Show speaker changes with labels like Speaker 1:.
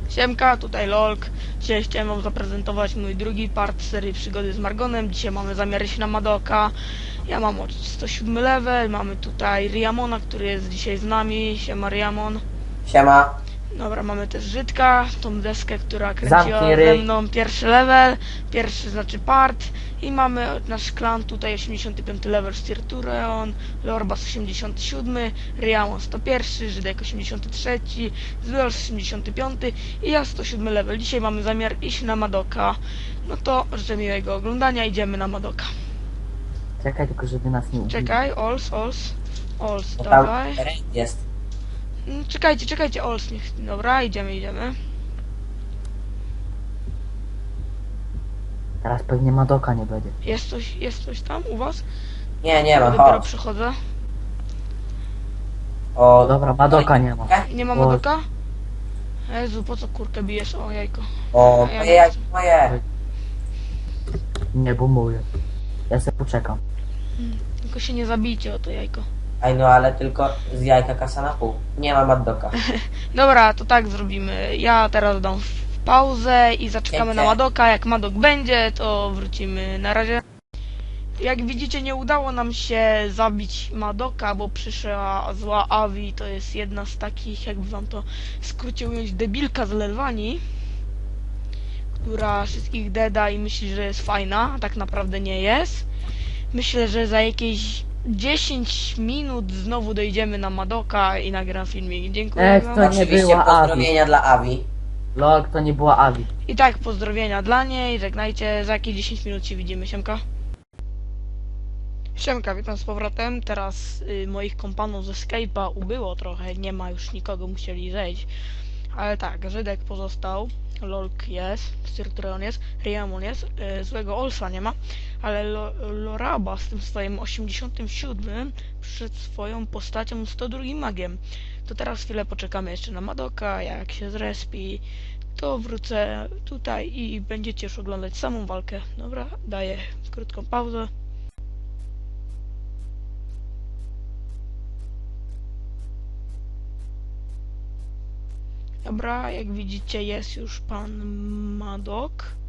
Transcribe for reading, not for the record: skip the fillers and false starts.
Speaker 1: Siemka, tutaj Lolk. Dzisiaj chciałem wam zaprezentować mój drugi part serii Przygody z Margonem. Dzisiaj mamy zamiar iść na Madoka. Ja mam 107 level, mamy tutaj Riamona, który jest dzisiaj z nami. Siema Riamon.
Speaker 2: Siema.
Speaker 1: Dobra, mamy też Żydka, tą deskę, która kręciła
Speaker 2: Zamknij
Speaker 1: ze
Speaker 2: ryj.
Speaker 1: mną pierwszy level, pierwszy znaczy part. I mamy nasz klan tutaj 85 level Stirtureon, Lorbas 87, Riamon 101, Żydek 83, Zwiol 85 i ja 107 level. Dzisiaj mamy zamiar iść na Madoka. No to życzę miłego oglądania, idziemy na Madoka.
Speaker 3: Czekaj tylko, żeby nas nie ubili.
Speaker 1: Czekaj, Ols,
Speaker 2: Bo tam
Speaker 1: dawaj.
Speaker 2: jest.
Speaker 1: Czekajcie, Ols, niech... Dobra, idziemy.
Speaker 3: Teraz pewnie Madoka nie będzie.
Speaker 1: Jest coś tam u was?
Speaker 2: Nie ma,
Speaker 1: Dopiero
Speaker 2: chodź.
Speaker 1: przychodzę.
Speaker 2: O,
Speaker 3: Dobra, Madoka nie ma.
Speaker 1: Nie ma
Speaker 3: O,
Speaker 1: Madoka? Jezu, po co kurkę bijesz? O, jajko.
Speaker 2: o,
Speaker 1: Ja
Speaker 2: moje
Speaker 1: nie
Speaker 2: jajko,
Speaker 1: chcę.
Speaker 2: moje.
Speaker 3: Nie, bo mówię. Ja sobie poczekam.
Speaker 1: Tylko się nie zabijcie o to jajko.
Speaker 2: Aj no, ale tylko z jajka kasa na pół. Nie ma Maddoka.
Speaker 1: Dobra, to tak zrobimy. Ja teraz dam pauzę i zaczekamy na
Speaker 2: Dzięki.
Speaker 1: Madoka. Jak Madok będzie, to wrócimy. Na razie. Jak widzicie, nie udało nam się zabić Madoka, bo przyszła zła Avi. To jest jedna z takich, jakby wam to w skrócie ująć, debilka z Lelwanii, która wszystkich deda i myśli, że jest fajna, a tak naprawdę nie jest. Myślę, że za jakieś 10 minut znowu dojdziemy na Madoka i nagram filmik. Dziękuję wam.
Speaker 3: To nie
Speaker 2: Oczywiście
Speaker 3: była
Speaker 2: pozdrowienia dla Avi.
Speaker 3: Lol, to nie była Avi.
Speaker 1: I tak, pozdrowienia dla niej, żegnajcie, za jakieś 10 minut się widzimy, siemka. Siemka, witam z powrotem. Teraz moich kompanów ze Skype'a ubyło trochę, nie ma już nikogo, musieli zejść. Ale tak, Żydek pozostał, Lolk jest, Stirtureon jest, Riamon jest, złego Olsa nie ma, ale Loraba z tym swoim 87 przed swoją postacią 102 magiem. To teraz chwilę poczekamy jeszcze na Madoka, jak się zrespi, to wrócę tutaj i będziecie już oglądać samą walkę. Dobra, daję krótką pauzę. Dobra, jak widzicie jest już pan Madok.